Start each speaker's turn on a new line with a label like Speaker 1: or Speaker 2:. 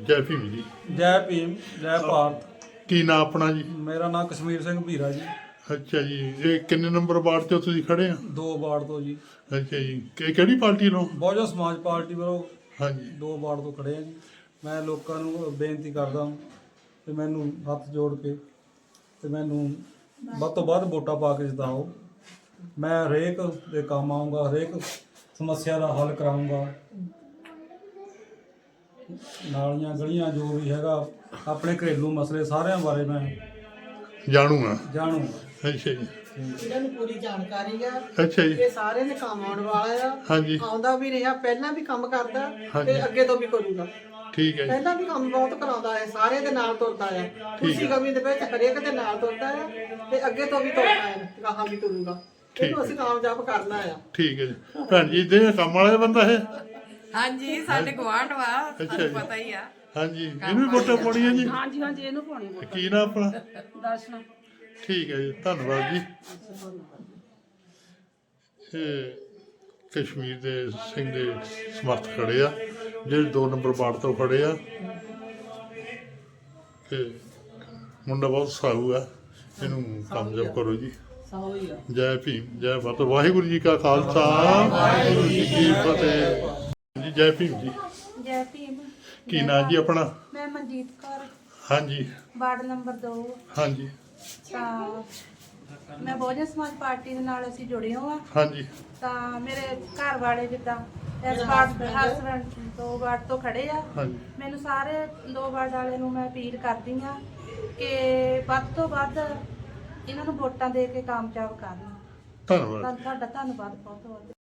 Speaker 1: जय भीम जी।
Speaker 2: जय भीम जय भारत।
Speaker 1: की नाम अपना जी?
Speaker 2: मेरा नाम कश्मीर सिंह भीरा जी।
Speaker 1: अच्छा जी, ये किन्ने नंबर वार्ड से तुसीं खड़े हैं?
Speaker 2: 2 वार्ड तो जी।
Speaker 1: अच्छा जी, ਕਿਹੜੀ ਪਾਰਟੀ ਨੂੰ?
Speaker 2: बहुजन समाज पार्टी ਵੱਲੋਂ
Speaker 1: ਹਾਂਜੀ
Speaker 2: 2 ਵਾਰਡ ਤੋਂ ਖੜੇ ਆ ਜੀ। ਮੈਂ ਲੋਕਾਂ ਨੂੰ ਬੇਨਤੀ ਕਰਦਾ ਕਿ ਮੈਨੂੰ ਹੱਥ ਜੋੜ ਕੇ ਤੇ ਮੈਨੂੰ ਵੱਧ ਤੋਂ ਵੱਧ ਵੋਟਾਂ ਪਾ ਕੇ ਜਿਤਾਓ। ਮੈਂ ਹਰੇਕ ਦੇ ਕੰਮ ਆਊਂਗਾ, ਹਰੇਕ ਸਮੱਸਿਆ ਦਾ ਹੱਲ ਕਰਾਊਂਗਾ। ਨਾਲੀਆਂ ਗਲੀਆਂ ਜੋ ਵੀ ਹੈਗਾ ਆਪਣੇ ਘਰੇਲੂ ਮਸਲੇ ਸਾਰਿਆਂ ਬਾਰੇ ਮੈਂ
Speaker 1: ਜਾਣੂਗਾ।
Speaker 2: ਜਾਣੂਗਾ।
Speaker 1: ਅੱਛਾ ਜੀ,
Speaker 3: ਇਹਨਾਂ ਨੂੰ ਪੂਰੀ ਜਾਣਕਾਰੀ ਆ।
Speaker 1: ਅੱਛਾ ਜੀ,
Speaker 3: ਇਹ ਸਾਰੇ ਦੇ ਕੰਮ ਆਉਣ ਵਾਲਾ ਆ।
Speaker 1: ਹਾਂਜੀ
Speaker 3: ਆਉਂਦਾ ਵੀ ਰਿਹਾ, ਪਹਿਲਾਂ ਵੀ ਕੰਮ ਕਰਦਾ
Speaker 1: ਹਾਂਜੀ।
Speaker 3: ਤੇ ਅੱਗੇ ਤੋਂ ਵੀ ਕਰੂਗਾ।
Speaker 1: ਠੀਕ ਹੈ ਜੀ,
Speaker 3: ਪਹਿਲਾਂ ਵੀ ਕੰਮ ਬਹੁਤ ਕਰਾਉਂਦਾ ਹੈ, ਸਾਰੇ ਦੇ ਨਾਲ ਤੁਰਦਾ ਆ। ਖੁਸ਼ੀ ਗਮੀ ਦੇ ਵਿੱਚ ਹਰੇਕ ਦੇ ਨਾਲ ਤੁਰਦਾ ਆ ਤੇ ਅੱਗੇ ਤੋਂ ਵੀ ਤੁਰਨਾ ਹੈ, ਗਾਹਾਂ ਵੀ ਤੁਰੂਗਾ। ਇਹਨੂੰ ਅਸੀਂ ਕਾਮਯਾਬ ਕਰਨਾ ਆ।
Speaker 1: ਠੀਕ ਹੈ ਜੀ। ਭੈਣ ਜੀ ਦੇ ਕੰਮ ਵਾਲਾ ਬੰਦਾ ਹੈ?
Speaker 4: ਹਾਂਜੀ ਸਾਡੇ ਗਵਾਂਢ ਵਾ,
Speaker 1: ਅੱਛਾ
Speaker 4: ਤੁਹਾਨੂੰ
Speaker 1: ਜੀ।
Speaker 4: ਪਤਾ ਹੀ ਆ।
Speaker 1: ਹਾਂਜੀ, ਇਹਨੂੰ ਵੀ ਵੋਟਾਂ ਪਾਉਣੀਆਂ ਜੀ?
Speaker 4: ਹਾਂਜੀ ਹਾਂਜੀ ਇਹਨੂੰ ਪਾਉਣੀ ਵੋਟ।
Speaker 1: ਕੀ ਨਾਮ ਆਪਣਾ?
Speaker 4: ਦਰਸ਼ਨ।
Speaker 1: ਠੀਕ ਹੈ ਜੀ, ਧੰਨਵਾਦ ਜੀ। ਇਹ ਕਸ਼ਮੀਰ ਦੇ ਸਿੰਘ ਦੇ ਸਮਰਥ ਖੜੇ ਆ, ਜਿਹੜੇ 2 ਨੰਬਰ ਵਾਰਡ ਤੋਂ ਖੜੇ ਆ। ਤੇ ਮੁੰਡਾ ਬਹੁਤ ਸਾਊ ਆ, ਇਹਨੂੰ ਕਾਮਯਾਬ ਕਰੋ ਜੀ। ਜੈ ਭੀਮ ਜੈ ਭਾਰਤ। ਵਾਹਿਗੁਰੂ ਜੀ ਕਾ ਖਾਲਸਾ, ਵਾਹਿਗੁਰੂ ਜੀ ਕੀ ਫਤਿਹ ਜੀ। ਜੈ ਭੀਮ ਜੀ।
Speaker 5: जय भीम।
Speaker 1: ਕੀ ਨਾਂ ਜੀ ਆਪਣਾ?
Speaker 5: मैं मनजीत कौर,
Speaker 1: ਹਾਂਜੀ
Speaker 5: वार्ड नंबर 2।
Speaker 1: ਹਾਂਜੀ
Speaker 5: ਤਾਂ ਮੈਂ ਬਹੁਜਨ ਸਮਾਜ ਪਾਰਟੀ ਦੇ ਨਾਲ ਅਸੀਂ ਜੁੜੇ ਹਾਂ।
Speaker 1: ਹਾਂਜੀ
Speaker 5: ਤਾਂ ਮੇਰੇ ਘਰ ਵਾਲੇ ਜਿੱਦਾਂ ਇਸ ਵਾਰਡ ਹਸਬੈਂਡ 2 ਵਾਰਡ ਤੋਂ ਖੜੇ ਆ।
Speaker 1: ਹਾਂਜੀ
Speaker 5: ਮੈਨੂੰ ਸਾਰੇ 2 ਵਾਰਡ ਵਾਲੇ ਨੂੰ ਮੈਂ ਅਪੀਲ ਕਰਦੀ ਆ ਕਿ ਵੱਧ ਤੋਂ ਵੱਧ ਇਹਨਾਂ ਨੂੰ ਵੋਟਾਂ ਦੇ ਕੇ ਕਾਮਯਾਬ ਕਰਨ।
Speaker 1: ਧੰਨਵਾਦ।
Speaker 5: ਤੁਹਾਡਾ ਧੰਨਵਾਦ ਬਹੁਤ ਬਹੁਤ।